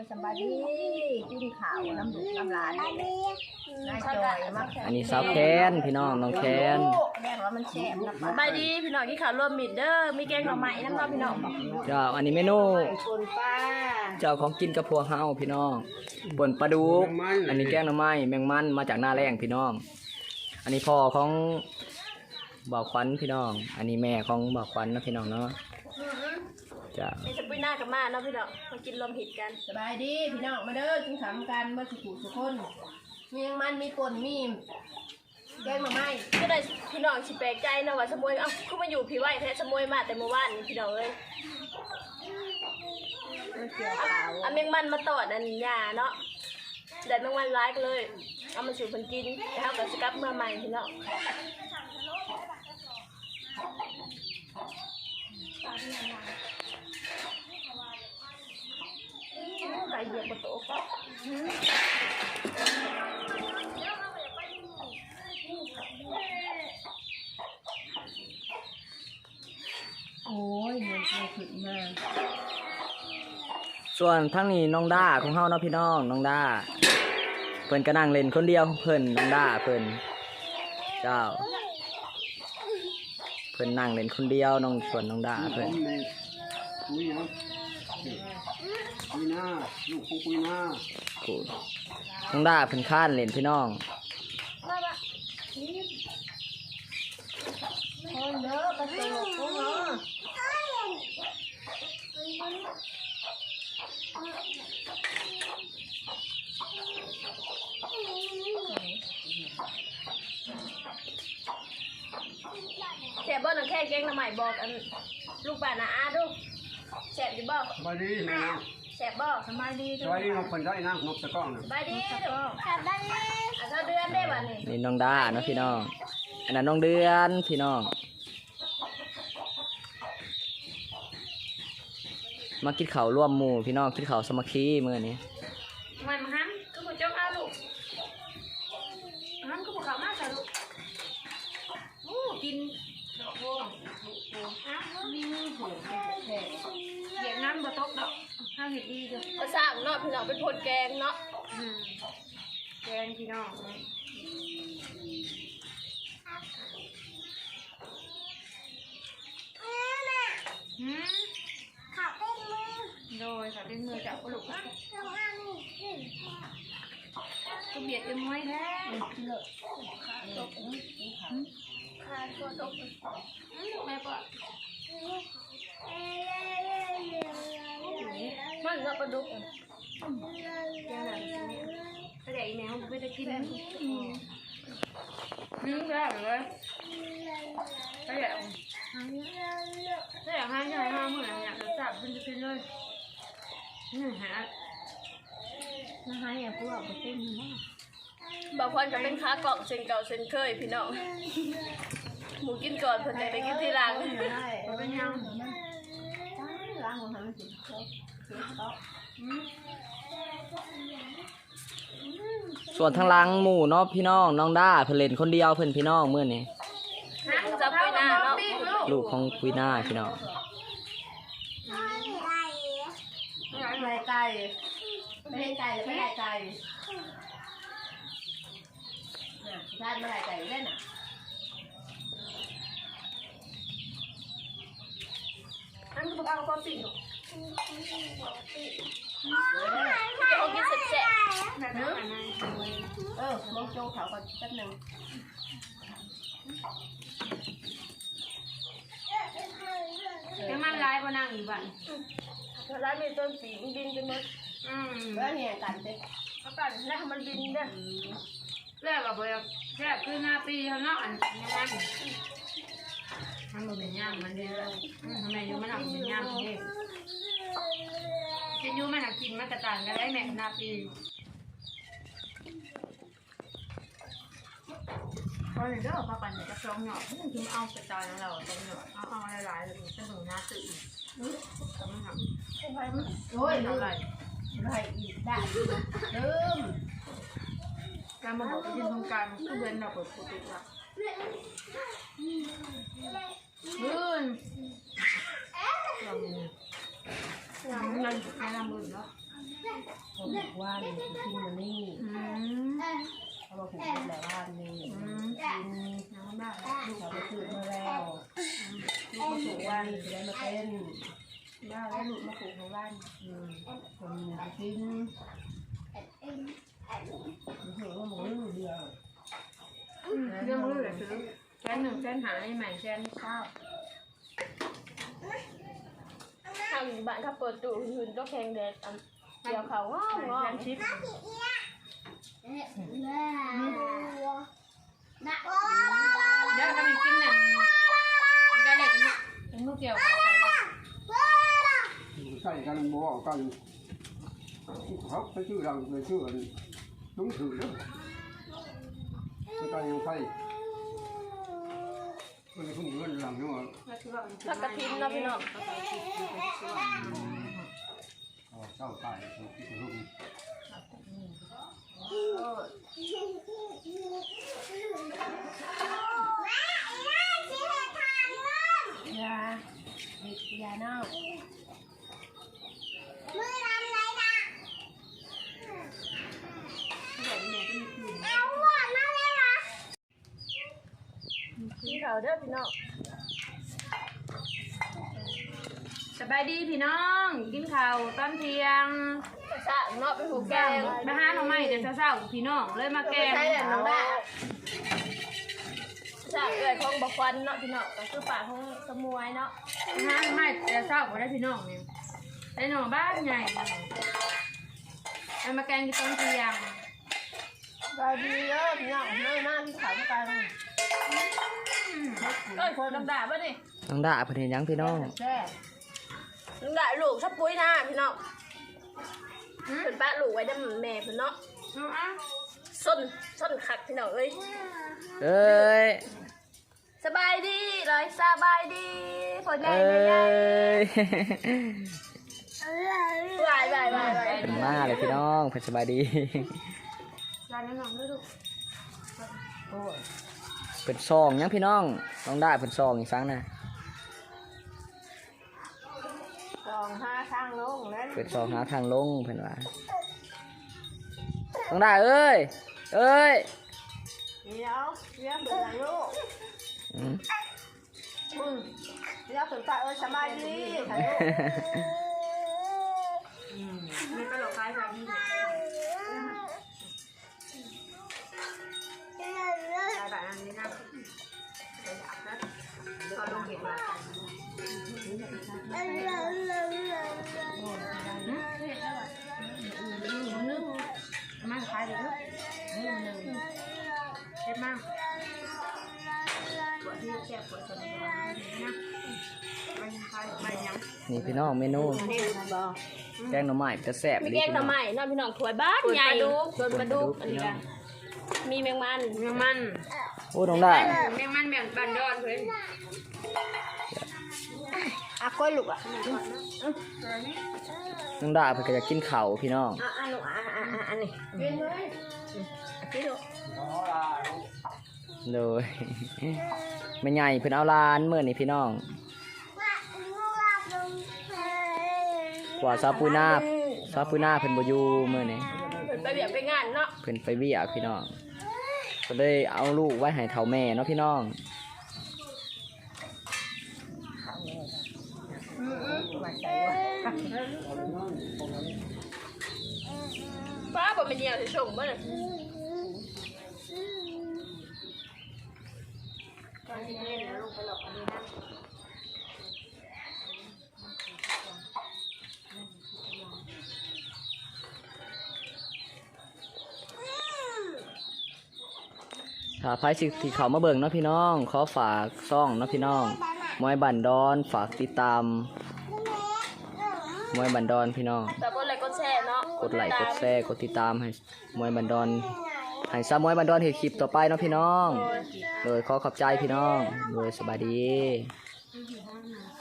สบายดีกินข้าวน้ำดุน้ำลายนายจอยมากอันนี้สาวแคนพี่น้องน้องแคนแม่ว่ามันแซ่บนะสบายดีพี่น้องกินข้าวรวมมิตรเด้อมีแกงหน่อไม้น้ำเนาะพี่น้องเจ้าอันนี้เมนูคนป้าเจ้าของกินกับพวกเฮาพี่น้องป่นปลาดุกอันนี้แกงหน่อไม้แมงมันมาจากหน้าแรงพี่น้อง อันนี้พ่อของบ่าวขวัญพี่น้อง อันนี้แม่ของบ่าวขวัญนะพี่น้องเนาะจ้ามีสปุยหน้ากับมาเนาะพี่น้องมากินรวมหิตกันสบายดีพี่น้องมาเด้อกินข้าวกันมาสุขุสุคนมีมันมีป่นมีแกงมาไหมก็ได้พี่น้องสิแปลกใจเนาะว่าสมุยเอ้าคือมาอยู่พี่ไหวแท้สมุยมาแต่เมื่อวานนี่พี่น้องเอ้ยมันเกี่ยวข้าวเอาแมงมันมาตอดอันหญ้าเนาะได้แมงมันร้ายกันเลยเอามาสู่เพิ่นกินแล้วก็สิกลับเมื่อใหม่พี่น้องไก่เหยียบกระโตก็โอ้ยมันขึ้นมาส่วนทั้งนี้น้องด้าของเฮาเนาะพี่น้องน้องด้าเพิ่นก็นั่งเล่นคนเดียวเพิ่นน้องด้าเพิ่นเจ้าเพิ่นนั่งเล่นคนเดียวน้องส่วนน้องด้าเพิ่นคุยนะคุยหน้าลูกคงคุยหน้ากูน้องด้าเพิ่นค้านเล่นพี่น้องโอ้ยเด้อกระโดดโอ้โหแสบบ่หนังแค่แกงหน่อไม้บอกอันลูกบ้านนะอาดูแสบอยู่บ่สบายดีแม่นะแสบบ่สบายดีสบายดีนกคนได้นะนกตะก้องนะสบายดีดูแสบได้อ่ะเท่าเดือนได้บ่นี่นี่น้องด้าเนาะพี่น้องอันนั้นน้องเดือนพี่น้องมากินข้าวร่วมหมู่พี่น้องกินข้าวสามัคคีมื้อนี้มันมาหันก็บ่จกเอาลูกหันก็บ่เข้ามาซะลูกโอ้กินดอกบัวมีมือผูกเหยียบน้ำบ่ตกดอกข้าวเห็ดดีจ้ะก็สร้างเนาะพี่น้องเป็นผลแกงเนาะแกงพี่น้องโดยค่ะเป็นมือจับกระลูกนะก็เบียดกันไว้แท้ขาดตัวตกแม่ปะมันก็ปลาดุกยังไงก็ได้แมวไม่ได้กินนึ่งได้เลยก็ได้ได้ห้าใหญ่ห้าเหมือนเนี่ยเราจับเป็นจะเป็นเลยนี่ฮะนะฮะอย่าพูดว่าเต้นมากบางคนก็เป็นค้ากล่องเส้นเก่าเส้นเคยพี่น้องหมูกินก่อนเพิ่นจะไปกินทีหลังเป็นยังล้างหัวหันสิโต๊ะส่วนทางหลังหมู่เนาะพี่น้องน้องด้าเพิ่นเล่นคนเดียวเพิ่นพี่น้องมื้อนี้จะไปหน้าเนาะลูกของคุยหน้าพี่น้องไม่ไก่ไม่ให้ไก่ไม่ให้ไก่ท่านไม่ให้ไก่เล่นอ่ะอันก็บอกเอาความปิ่งจะเอากินเสร็จแซ่บมองโจ้เขาก่อนแป๊บนึงยังมันร้ายกว่านั่งอยู่บ้านร้านมีต้นปีกบินไปหมดแล้วเนี่ยกันเด็กเอากันนะมันบินเด้อแรกกับแบบแรกคือหน้าปีเขาเนาะอันนี้มันบ่เป็นย่างมันเด้อทำไมอยู่มันหนักเป็นย่างเด้จะอยู่มันหนักกินมันกระต่างกันได้แม่หน้าปีพอเด้อพอกันจะกลองหยอดมันถึงเอากระต่ายของเราตรงหยอดเอาหลายๆเลยจะถึงหน้าตื่นแต่มันหนักโอ้ยลืเท่าม ไหร่ไม่อีกได้ลืมการมาบอกไปที่โครงการคือเว้นเราเปิดปกติละเราเงินแค่นำมือเนาะเขาบอกว่าเนี่ยกินมันนี่เขาบอกผูกเป็นแบบว่านี่กินน้ำมากเขาไปซื้อมาแล้วลูกมาผูกว่านี่จะได้มาเป็นบ้าแล้วลูกมาผูกของบ้านคนจะกินเห็นว่าหมูเดียวเรื่องมือเลยซื้อแค่1แค่หาให้ใหม่แค่ข้าวทางบ้านถ้าเปิดตู้หุ่นก็แข็งแดดเกี่ยวเขาว้าวว้าวแค่ชิปเดี๋ยวถ้ามันกินเนี่ยมันก็เลยเป็นมือเกี่ยวใส่กันบ่กันเขาไปชื่อเราไปชื่อđúng thử đó người taยังไฟมันkhôngเงินหลังเนาะผักกระถินเนาะพี่น้องเจ้าตายที่รุ่งยาเน่ากินข้าวเด้อพี่น้องสบายดีพี่น้องกินข้าวตอนเที่ยงสะเนาะเป็นหูแกงมาหาหน่อไม้เดี๋ยวเช้าๆพี่น้องเลยมาแกงใช่แล้วน้องได้สะเอื้อยของบักควันเนาะพี่น้องก็คือป่าของสมวยเนาะมาหาหน่อไม้เดี๋ยวเช้าก็ได้พี่น้องเนี่ยได้หน่อบ้านใหญ่เอามาแกงกินตอนเที่ยงสบายดีเด้อพี่น้องเฮ้ยหน้าที่ขายกันเอ้ยคนน้ำด่าป่ะนี่น้องด่าเพิ่นเห็นหยังพี่น้องแช่น้ำด่าลูกชับปุ้ยนะพี่น้องเป็นป้าลูกไว้ได้แม่เพิ่นเนาะเอาอ่ะส้นขัดพี่น้องเอ้ยเอ้ยสบายดีเลยสบายดีผลใหญ่เอ้ใหญ่ยบายมาเลยพี่น้องเพิ่นสบายดีร้านน้องด้วยลูกโอ้ยเพิ่นซองหยังพี่น้องน้องด่าเพิ่นซองอีกครั้งนะ 2-5ทางลงนั้นเพิ่นซองหาทางลงเพิ่นว่าน้องด่าเอ้ยเอ้ยเดี๋ยวเป็นไรลูกอืมเดี๋ยวสนใจสบายดีถ่ายรูปไม่ไปหลอกใครแบบนี้ หลายอันนี้นะเขาลงเห็นมามาขายเดี๋ยวเด็ดมากปวดที่แก่ปวดสมองนะไปขายไปยังนี่พี่น้องเมนูแกงหน่อไม้จะแซ่บมีอีหแกลีงพี่หน้น่ออง ไม้เนาะพี่น้องถวยบ้านใหญ่ส่วนปลาดุกอันนี้กันมีแมงมันแมงมันโอ้น้องด่าแมงมันแบบบันดอนเพื่อนอ่ะก้อยลูกอ่ะน้องด่าเพิ่นก็อยากกินข้าวพี่น้องลูกอันนี้กินเลยกินลูกเลยแม่ใหญ่เพิ่นเอาลานมื้อนี้พี่น้องกว่าซาปูนาเพิ่นบ่อยู่มื้อนี้เป็นไปเบียบไปงานเนาะเพิ่นไปเวียกพี่น้องก็เลยเอาลูกไว้ให้เฒ่าแม่เนาะพี่น้องป้าบอกเป็นเดียวจะชมบ่เนี่ยตอนที่เล่นแล้วลูกไปหลอกอันนี้นะถ้าไผสิที่เขามาเบิ่งเนาะพี่น้องขอฝากซ่องเนาะพี่น้องมวยบันดอนฝากติดตามมวยบันดอนพี่น้องแต่กดไลค์กดแชร์เนาะกดไลค์กดแชร์กดติดตามให้มวยบันดอนให้ซามวยบันดอนเฮ็ดคลิปต่อไปเนาะพี่น้องโดยขอขอบใจพี่น้องโดยสบายดีอยู่ห้องน้ำ